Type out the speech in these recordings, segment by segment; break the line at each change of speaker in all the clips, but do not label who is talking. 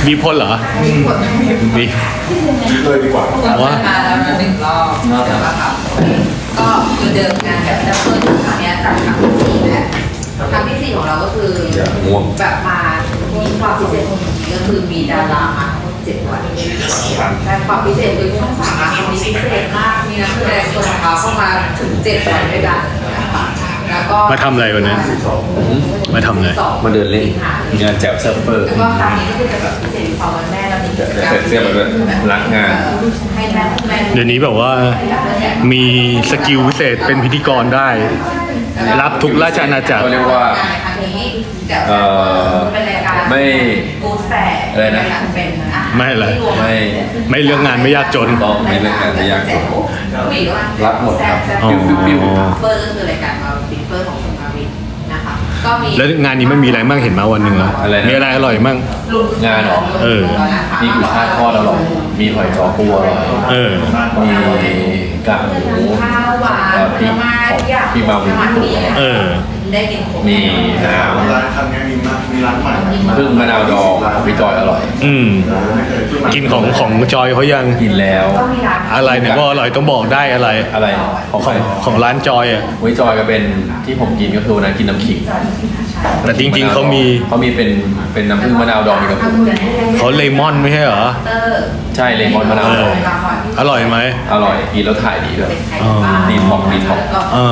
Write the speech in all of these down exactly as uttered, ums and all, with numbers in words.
มีพ่นเหรอมี
เลยดีกว่า
ว่ามาแล้วนะหนึ่งรอบเดี๋ยวมาทำก็คือเดิมงานแบบดับเบิลครั้งนี้จากครั้งที่สี่แล้วครั้งที่สี่ของเราก็คือแบบมามีความพิเศษของนี้ก็คือมีดารามาทั้งหมดเจ็ดวันแต่ความพิเศษคือช่องสามมีพิเศษมากมีนักแสดงตัวของเขาเข้ามาถึงเจ็ดวันด้วยกันแล้วก็
มาทำอะไรวันนี้มาทำอะไร
มาเดินเล่นงานแจ๋วเซิร์ฟเฟอร์
แล้วก็ครั้งนี้ก็คือจะแบบพิเศษพอวันแม่เรามีกิจกรรม
เสื้อมาด้วยรักงาน
ให้แม่แม่
เดี๋ยวนี้แบบว่ามีสกิลพิเศษเป็นพิธีกรได้รับทุกราชอาณาจักร
ก็เรียกว่าเอ่อไม่อะไรนะ
ไม่อะไร
ไม่
ไม่เรื่องงานไม่ยากจน
ต้องไม่เรื่องงานไม่ยากจนรับหมดครับ
อ๋อ
ปิ้ว
เปิดก็คือรายการมาปิดเปิดของคุณมาวินนะคะก็มี
แล้วงานนี้มันมีอะไรบ้างเห็นมาวันหนึ่งแล้วมีอะไรอร่อยบ้าง
งานหรอ
เออ
มีกุยช่ายทอดอร่อยมีหอยจ้อปูอร่อย
เออ
มีกากหมู
ข้าวหวานผลไม้
พี่มาวิน
เออ
มีน้ำ
ร้านทำไงมีมากมีร้านใหม่
พึ่งมะนาวดองพี่จอยอร่อย
อืมกินของของจอยเขายัง
กินแล้ว
อะไรเนี่ยว่าอร่อยต้องบอกได้อะไร
อะไร
ของของร้านจอยอ่ะ
วิจอยก็เป็นที่ผมกินก็คือวันนั้นกินน้ำขิง
แต่จริงๆเขามี
เขามีเป็นเป็นน้ำผึ้งมะนาวดองมีกระปุก
เขาเลมอนไม่ใช่เหรอ
ใช่เลมอนมะนาวดอง
อร่อยไหม
อร่อยกินแล้วถ่ายดีด้วยดีท็อกดีท็อก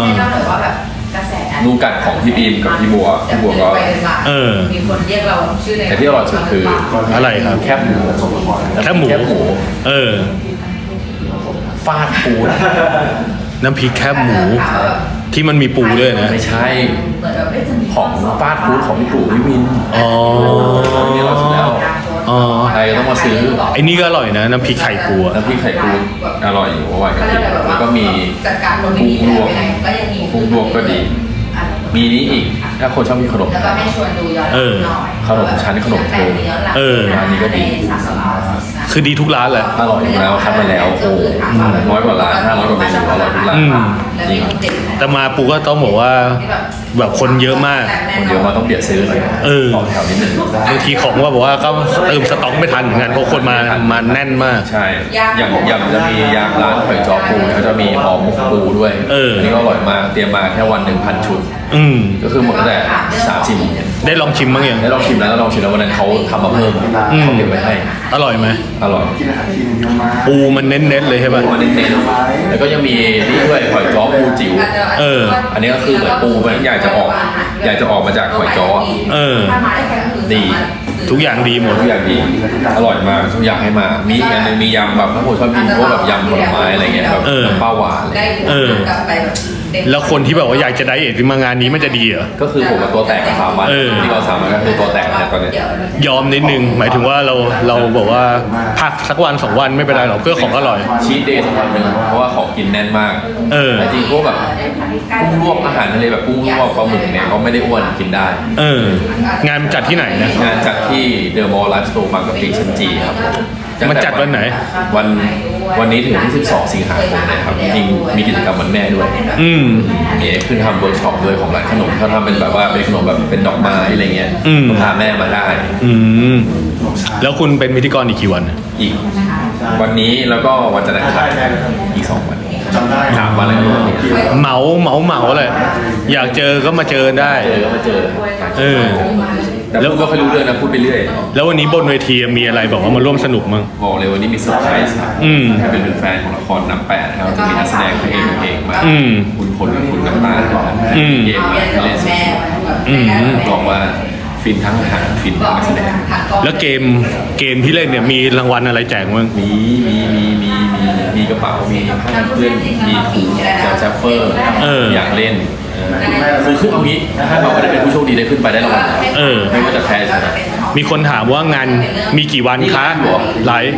นูกัดของพี่บีมกับพี่บัวพี่บัวก็
เออ
มีคนเรียกเราชื่อใน
แต่ที่อร่อยสุดคือ
อะไรครับ
แคบหมู
แคบหมูเออ
ฟาดปู
น้ำพริกแคบหมูที่มันมีปูด้วยนะ
ไม่ใช่ของฟาดฟู้ดของพี่ปู่พี่วิน
อ๋อ
นี่เราสุดแล้ว
อ๋อ
ใครต้องมาซื้อ
ไอ้นี่ก็อร่อยนะน้ำพริกไข่ปู
น้ำพริกไข่ปูอร่อยอยู่ว่ากันแล้วก็มีกุ้งลวกกุ้งลวกก็ดีมีนี้อีกถ้าคนชอบมีขนม
เออ
ขนมชั้นขนมเธอ
เออ
ร้านนี้ก็ดี
คือดีทุกร้านแหละ
อร่อยอยู่แล้วคัดมาแล้วโอ้น้อยกว่าร้านห้าร้อยกว่าเมนูอร่อยทุกร้านจริง
แต่มาปูก็ต้องบอกว่าแบบคนเยอะมาก
คนเยอะมาต้องเบียดซื้อเลย
เออ
ต่อแถวนิดนึง
บางทีของว่าบอกว่าก็เติมสต็อกไม่ทันเหมือนกันเพราะคนมามาแน่นมาก
ใช่อย่างอย่างจะมียางร้านหอยจอปูเขาจะมีห่อหมกปูด้วยอันนี้ก็อร่อยมากเตรียมมาแค่วันหนึ่งพันชุด
อืม
ก็คือหมดตั้งแต่สามสี่โมงเย็น
ได้ลองชิมบ้างยัง
ได้ลองชิมแล้วลองชิมแล้ววันนั้นเขาทำมาเพิ่มเขาเก็บไว้ให้
อร่อยไหม
อร่อย
ปูมันเน้นๆเลยใช่ป่ะ
ปูมันเน้นๆแล้วก็ยังมีนี่ด้วยหอยจ้อปูจิ๋ว
เออ
อันนี้ก็คือเหมือนปูมันอยากจะออกอยากจะออกมาจากหอยจ้อ
เออ
ดี
ทุกอย่างดีหมด
ทุกอย่างดีอร่อยมากทุกอย่างให้มามีอันนึงมียำแบบถ้าคนชอบกินพวกแบบยำผลไม้อะไรเงี้ยแบบป้าหวาน
เออแล้วคนที่แบบว่าอยากจะไดเอทมางานนี้มันจะดีเหรอ
ก็คือผมกับตัวแตกกับสามวันที่เราสามวันก็คือตัวแตกเนี่ยตอนนี้
ยอมนิดนึงหมายถึงว่าเราเราบอกว่าพักสักวันสองวันไม่เป็นไรหรอกเพื่อของอร่อย
ชีทเดย์สักวันหนึ่งเพราะว่าของกินแน่นมาก
เออ
จริงพวกแบบกุ้งลวกอาหารทะเลแบบกุ้งลวกปลาหมึกเนี่ยเขาไม่ได้อ้วนกินได้
เอองานจัดที่ไหนนะ
งานจัดที่เดอะมอลล์ไลฟ์สโตร์บางกะปิชั้นจีครับ
มันจัดวันไหน
วันวันนี้ถึงที่สิบสองสิงหาคมนะครับจริงมีกิจกรรมวันแม่ด้วย
อืม
มีขึ้นทำเวิร์กช็อปด้วยของร้านขนมเขาทำเป็นแบบว่าเป็นขนมแบบเป็นดอกไม้อะไรเงี้ยพาแม่มาได้
อืมแล้วคุณเป็นพิธีกรอีกกี่วัน
อีกวันนี้แล้วก็วันจันทร์อังคารอีกสองวันถามวันอะไรก็
เหมาเหมาเหมาเลยอยากเจอก็มาเจอได้
เจอก็มาเจอ
เออ
แล้วก็ไม่รู้เรื่องนะพูดไปเรื่อย
แล้ววันนี้บนเวทีมีอะไรบอกว่ามาร่วมสนุกมั้ง
บอกเลยวันนี้มีเซอร์ไพรส์
อืม
เป็นเป็นแฟนของละครน้ำแปดครับจะมีนักแสดงเพลงเพลงมาคุณพลกับคุณน้ำตาลเกมมาเล่นสดๆบอกว่าฟินทั้งอาหารฟินทั้งนักแสดง
แล้วเกมเกมที่เล่นเนี่ยมีรางวัลอะไรแจกมั้ง
มีมีมีมีมีมีกระเป๋ามีผ้ากันเปื้อนมีถุงจากแซฟเฟอร์อยากเล่นคือขึ้นเอางี้ถ้าเราไม่ได้เป็นผู้โชคดีได้ขึ้นไปได้รางวัลไม่ว่าจะแพ้ชนะ
มีคนถามว่างานมีกี่วันคะไลฟ์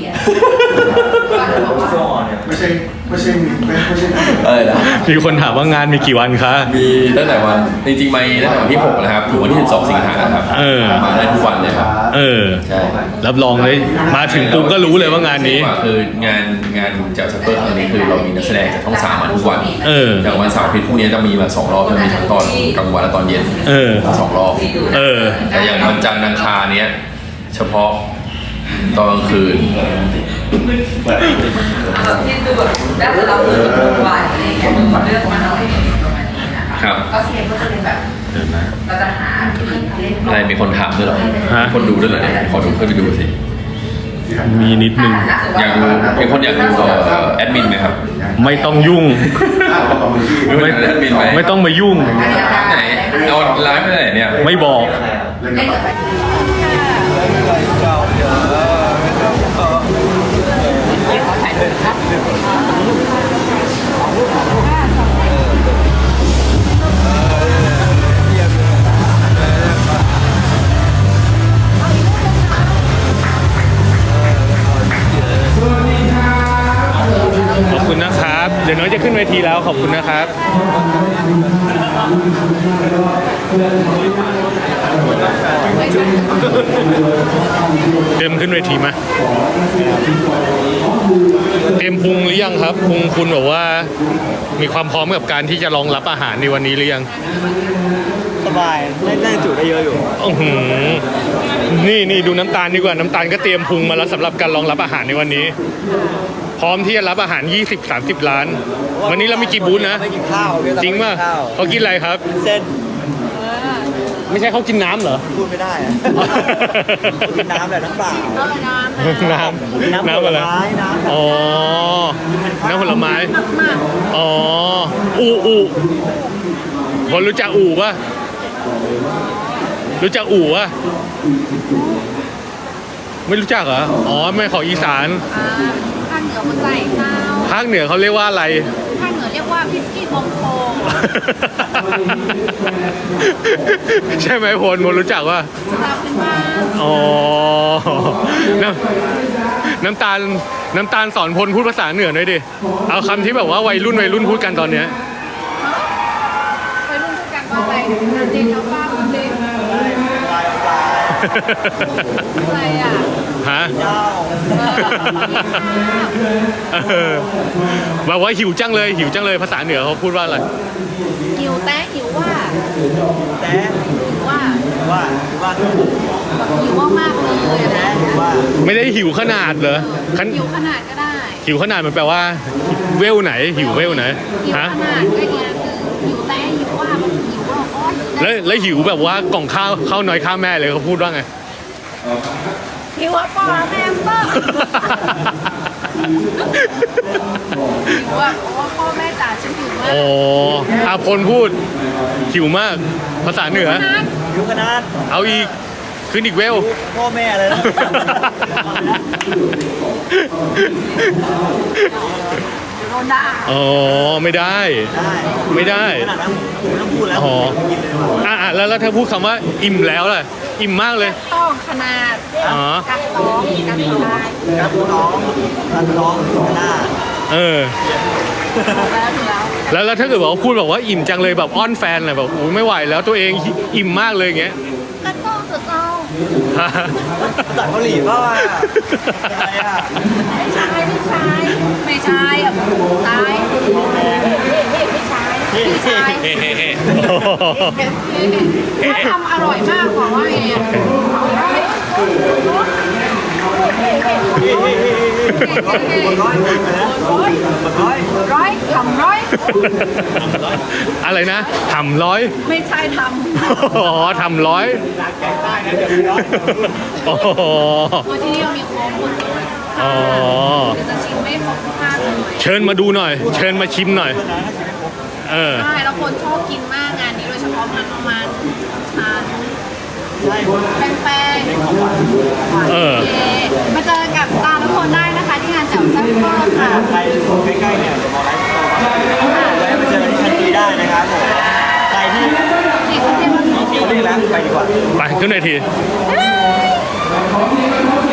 ไม่ใช่ไม่ใช่ไม่ใช่
เออนะ
มีคนถามว่างานมีกี่วันคะ
มีตั้งแต่วันจริงๆมาตั้งแต่วันที่หกนะครับถึงวันที่สิบสองสิงหาคมครับมาได้ทุกวันเลยครับ
เออใช่รับรองเลยมาถึงปุ๊บก็รู้เลยว่างานนี้
คืองานงานจากซัพเปอร์ครั้งนี้คือเรามีนักแสดงจากช่องสามมาทุกวัน
เออ
อย่างวันเสาร์อาทิตย์พรุ่งนี้จะมีมาสองรอบจะมีทั้งตอนกลางวันและตอนเย็น
เออ
สองรอบ
เออ
แต่อย่างวันจันทร์อังคารเนี้ยเฉพาะตอนกลางคืน
แบบที่ดูแบบได้จะรับมือกับทุกวันอะไรอย่างเงี้ยเลือกมาหน่อยประมาณนี้นะคะก็เกมก็จะเป็นแบบเราจะหาที่เล่น
อะไรมีคนถามด้วยเหรอมีคนดูด้วยเหรอเนี่ยขอดูเพื่อนไปดูสิ
มีนิดนึง
อยากดูมีคนอยากดูเอ่อแอดมินไหมครับ
ไม่ต้องยุ่ง ไม่
แอดมินไหม
ไม่ต้องมายุ่ง
ไหนเอาไลฟ์ไปไหนเนี่ย
ไม่บอก
เล่นกับไป
ขอบคุณนะครับ เดี๋ยวน้องจะขึ้นเวทีแล้วขอบคุณนะครับ เตรียมขึ้นเวทีมาเตรียมพุงหรือยังครับพุงคุณแบบว่ามีความพร้อมกับการที่จะรองรับอาหารในวันนี้หรือยัง
สบายได้ได้จุได้เยอะอยู่
อื้อหือนี่นี่ดูน้ำตาลดีกว่าน้ำตาลก็เตรียมพุงมาแล้วสำหรับการรองรับอาหารในวันนี้ พร้อมที่จะรับอาหาร ยี่สิบถึงสามสิบ ล้าน วันนี้เรามีกี่บูธนะ
ไม่กินข้าวพี่
จริงป่ะ
ไม่กินข้าว
เขากินอะไรครับ
เส้น
ไม่ใช่เขากินน้ำเหรอ
พูดไม่ได้อะกินน้ำแบบน้ำเปล่า
น้ำ
น้ำ
น้ำอะไร
ผลไม้น้ำ
อ๋อ น้ำผลไม้ อ๋อ อูอูคนรู้จักอูป่ะ รู้จักอูป่ะ ไม่รู้จักเหรอ อ๋อ ไม่ของอีสาน
ภาคเหนือมันใส่ข้าว
ภาคเหนือเขาเรียกว่าอะไร
ภาคเหนือเรียกว่าพิสกี้บองโค
ใช่ไหมพลพลรู้จักว่า
สำหรับเป็นบ้าน
อ๋อ น้ำน้ำตาลน้ำตาลสอนพลพูดภาษาเหนือหน่อยดิ เอาคำที่แบบว่าวัยรุ่นวัยรุ่นพูดกันตอนเนี้ย
ไปรุ่นด้วยกันว่าอะไรงานเจนเอาป้าคุณเด็กอะไรอ่ะ
ฮะ
เจ้า
เออแบบว่าหิวจังเลยหิวจังเลยภาษาเหนือเขาพูดว่าอะไร
หิวแต้หิวว่า
แต่
หิวว่า
ว่าว่า
หิวว่ามากๆเลยอะ
แต่
นะ
ว่า
ไม่ได้หิวขนาดเหรอขัน
หิวขนาดก็ได้
หิวขนาดมันแปลว่า เวลไหน หิวเวลไหน
หิว
ฮะ
ขนาดก็อย่างคือหิวแต้หิวว่าแบบหิวว่าอ๋อหิว
แล้วแล้วหิวแบบว่ากล่องข้าวข้าวน้อยข้าวแม่เลยเขาพูดว่าไง
หิวว่าปอแม่เปิ้ลหิวว่าว่าพ่อแม่จ๋าฉันหิวมาก
อ๋ออาพลพูดหิวมาก ภาษาเหนือ
อยู่ขนาด
เอาอีกขึ้นอีกเวล
พ่อแม่เลยนะ
โดนด่า
อ๋อไม่ได้
ได้
ไม่ได้
ขนาดนั้นผมไม่ต้องพูดแล้ว
อ๋อ
กินเลยดีกว่า
อ่ะอ่ะแล้วแล้วถ้าพูดคำว่าอิ่มแล้วล่ะอิ่มมากเลย
ต้องขนาด
อ๋อ
กัดท้องกัดท้อง
ครับน้องรับน้องหน้า
เออ
แล้วถึงแล้ว
แล้วแล้วถ้าเกิดบอกว่าพูดแบบว่าอิ่มจังเลยแบบอ้อนแฟนเลยแบบโอ้ยไม่ไหวแล้วตัวเองอิ่มมากเลยอย่างเงี้ย
กัดต้องสุดเจ้า
ภาษาเกาหลีเปล่าอ่ะอะไรอ่ะ
ไม่ใช่ไม่ใช่ไม่ใช่อ่ะตายไม่ใช่ไม่ใช่
เฮ้เฮ้เฮ้
ถ้าทำอร่อยมากกว่าว่าไงอ่ะร้อยร้อยร้อยร้อยทำร้อย
อะไรนะทำร้อย
ไม่ใช่ท
อ๋อทำร้อยอ๋อ
ำตัวที่นี่มีโค้งหมดเลย
อ๋อ
เดี๋ยวจะชิมไม่ครบทุกภาคเลย
เชิญมาดูหน่อย เชิญมาชิมหน่อย เออ
ใช่แล้วคนชอบกินมากงานนี้โดยเฉพาะมันประมาณชาแป้งแป้งหวาน
เออ
เย่มาเจอกับตาทุกคนได้นะคะที่งานแจ่วแซ่บเวอร์ค่ะ
ใครใกล้ๆเนี่ยเดี๋ยวมอไลฟ์สโตร์ครับแวะมาเจอที่ชั้นจีได้นะครับผมใครที่
ที่เขาเรียกว่า
ที่นี่แล้วไปดีกว่า
ไปขึ้นเวที
เฮ้ย